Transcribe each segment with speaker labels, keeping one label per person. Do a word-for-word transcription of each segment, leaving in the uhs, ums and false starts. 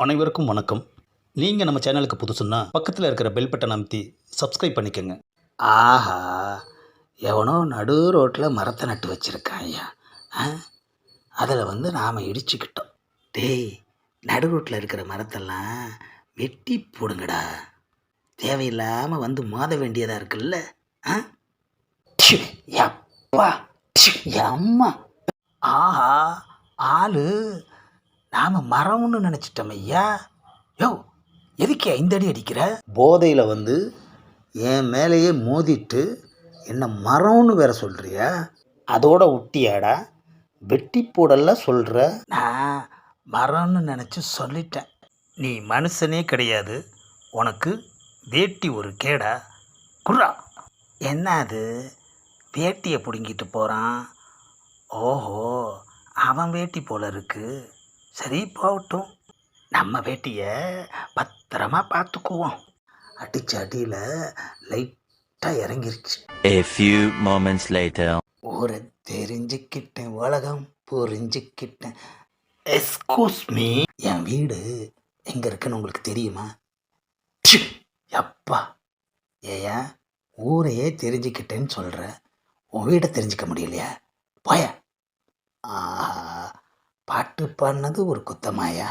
Speaker 1: அனைவருக்கும் வணக்கம். நீங்கள் நம்ம சேனலுக்கு புதுசுன்னா பக்கத்தில் இருக்கிற பெல் பட்டன் அமைத்தி சப்ஸ்கிரைப் பண்ணிக்கோங்க.
Speaker 2: ஆஹா, எவனோ நடு ரோட்டில் மரத்தை நட்டு வச்சுருக்கான் ஐயா. அதில் வந்து நாம் இடிச்சுக்கிட்டோம். டேய், நடு ரோட்டில் இருக்கிற மரத்தெல்லாம் வெட்டி போடுங்கடா. தேவையில்லாமல் வந்து மோத வேண்டியதாக இருக்குல்ல. ஆ ப்ஷு, யப்பா ப்ஷு, அம்மா. ஆஹா, ஆளு நாம் மரம்னு நினச்சிட்டோம் ஐயா. யோ, எதுக்கு இந்த அடி அடிக்கிற?
Speaker 1: போதையில் வந்து என் மேலேயே மோதிட்டு என்ன மரம்னு வேற சொல்கிறியா? அதோட ஒட்டியாடா வெட்டி போடல சொல்கிற?
Speaker 2: நான் மரம்னு நினச்சி சொல்லிட்டேன்.
Speaker 1: நீ மனுஷனே கிடையாது, உனக்கு வேட்டி ஒரு கேடா? குர்ரா.
Speaker 2: என்ன அது, வேட்டியை பிடுங்கிட்டு போகிறான்? ஓஹோ, அவன் வேட்டி போல இருக்கு. சரி, போகட்டும். நம்ம வேட்டியை பத்திரமா பார்த்துக்குவோம். அடிச்ச அடியில் லைட்டாக இறங்கிருச்சு.
Speaker 3: A few moments later.
Speaker 2: ஊரை தெரிஞ்சுக்கிட்டேன், உலகம் புரிஞ்சுக்கிட்டேன். எஸ்கூஸ் மீ, என் வீடு எங்கே இருக்குன்னு உங்களுக்கு தெரியுமா? ப்ஷு, யப்பா. ஏயா, ஊரையே தெரிஞ்சுக்கிட்டேன்னு சொல்கிற, உன் வீடை தெரிஞ்சுக்க முடியலையா? போய. ஆஹா, பாட்டு பாடினது ஒரு குத்தமாயா?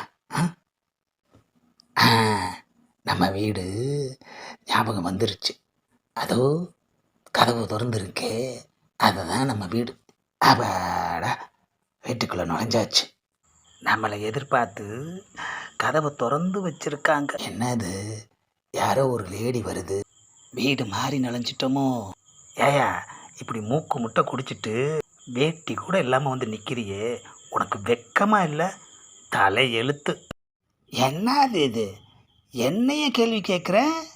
Speaker 2: ஆ, நம்ம வீடு ஞாபகம் வந்துருச்சு. அதோ கதவு திறந்துருக்கே, அதுதான் நம்ம வீடு. அப்பாடா, வீட்டுக்குள்ளே நுழைஞ்சாச்சு. நம்மளை எதிர்பார்த்து கதவை திறந்து வச்சிருக்காங்க. என்னது, யாரோ ஒரு லேடி வருது. வீடு மாறி நுழைஞ்சிட்டோமோ? ஏயா, இப்படி மூக்கு முட்டை குடிச்சிட்டு வேட்டி கூட இல்லாமல் வந்து நிற்கிறியே, உனக்கு வெக்கமாக இல்லை? தலை எழுத்து. என்னது இது, என்னைய கேள்வி கேட்குற?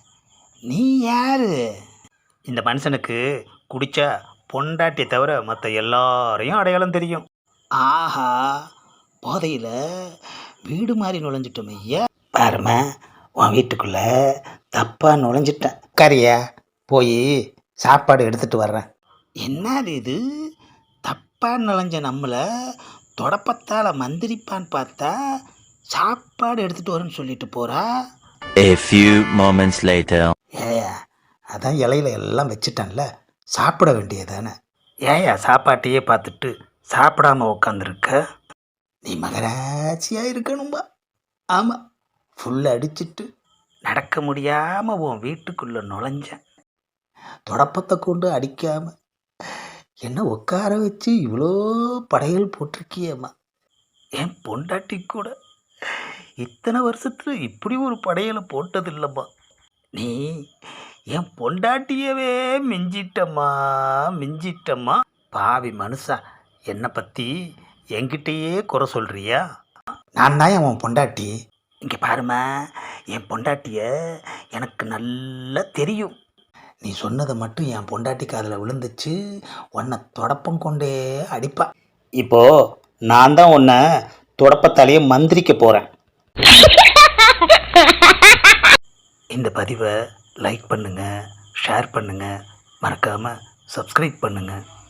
Speaker 2: நீ யாரு?
Speaker 1: இந்த மனுஷனுக்கு குடிச்சா பொண்டாட்டியை தவிர மற்ற எல்லாரையும் அடையாளம் தெரியும்.
Speaker 2: ஆஹா, போதையில் வீடு மாதிரி நுழைஞ்சிட்டோம் ஐயா. பாருமா, உன் வீட்டுக்குள்ளே தப்பாக நுழைஞ்சிட்டேன். கரியா, போய் சாப்பாடு எடுத்துகிட்டு வர்றேன். என்னது இது, தப்பாக நுழைஞ்ச நம்மளை தொடப்பத்தால் மந்திரிப்பான்னு பார்த்தா சாப்பாடு எடுத்துகிட்டு வரேன்னு சொல்லிட்டு போகிறா.
Speaker 3: A few moments later.
Speaker 2: ஏயா, அதான் இலையில எல்லாம் வச்சுட்டேன்ல, சாப்பிட வேண்டியதானே. ஏயா, சாப்பாட்டையே பார்த்துட்டு சாப்பிடாம உக்காந்துருக்க? நீ மகராட்சியாக இருக்கணும்பா. ஆமாம், ஃபுல் அடிச்சிட்டு நடக்க முடியாமல் உன் வீட்டுக்குள்ளே நுழைஞ்சேன். தொடப்பத்தை கொண்டு அடிக்காமல் என்ன உட்கார வச்சு இவ்வளோ படையல் போட்டிருக்கியம்மா. என் பொண்டாட்டி கூட இத்தனை வருஷத்தில் இப்படி ஒரு படையலை போட்டதில்லைம்மா. நீ என் பொண்டாட்டியவே மிஞ்சிட்டம்மா, மிஞ்சிட்டம்மா. பாவி மனுஷா, என்னை பற்றி என்கிட்டயே குறை சொல்கிறியா? நான் தான் என் பொண்டாட்டி. இங்கே பாருமா, என் பொண்டாட்டிய எனக்கு நல்லா தெரியும். நீ சொன்னதை மட்டும் என் பொண்டாட்டி காதில் விழுந்துச்சு, உன்னை தொடப்பம் கொண்டே அடிப்பா.
Speaker 1: இப்போது நான் தான் உன்னை தொடப்பத்தாலேயே மந்திரிக்க போகிறேன்.
Speaker 2: இந்த பதிவை லைக் பண்ணுங்கள், ஷேர் பண்ணுங்கள், மறக்காமல் சப்ஸ்கிரைப் பண்ணுங்கள்.